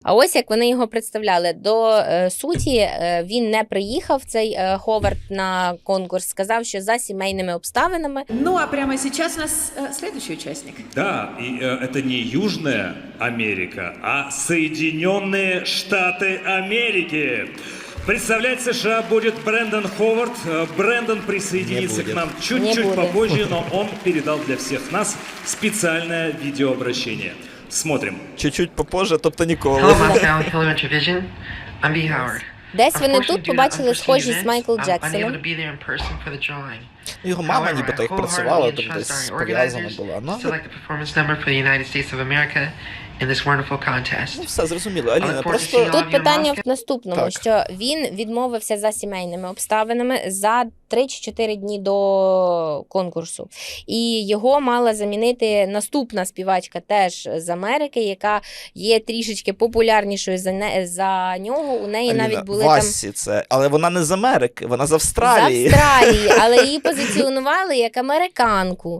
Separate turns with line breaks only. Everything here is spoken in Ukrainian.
А ось як вони його представляли. До суті він не приїхав, цей Ховард, на конкурс, сказав, що за сімейними обставинами.
Ну, а прямо сейчас у нас следующий участник.
Да, и это не Южная Америка, а Соединенные Штаты Америки. Представлять США будет Брэндон Ховард. Брэндон присоединится к нам чуть-чуть попозже, но он передал для всех нас специальное видеообращение. Смотрим.
Чуть-чуть попозже, тобто ніколи.
Hello, Moscow, hello, Intervision. I'm B. Howard.
Десь вони тут побачили схожість з Майкл Джексоном.
Його мама нібито їх працювала, там десь пов'язана була. Ну, все зрозуміло. Аліна, просто...
Тут питання в наступному,
Так.
що він відмовився за сімейними обставинами за 3 чи 4 дні до конкурсу. І його мала замінити наступна співачка теж з Америки, яка є трішечки популярнішою за нього. У неї
Аліна,
навіть були
Васі
там...
це, але вона не з Америки, вона з Австралії.
З Австралії, але її позиціонували як американку.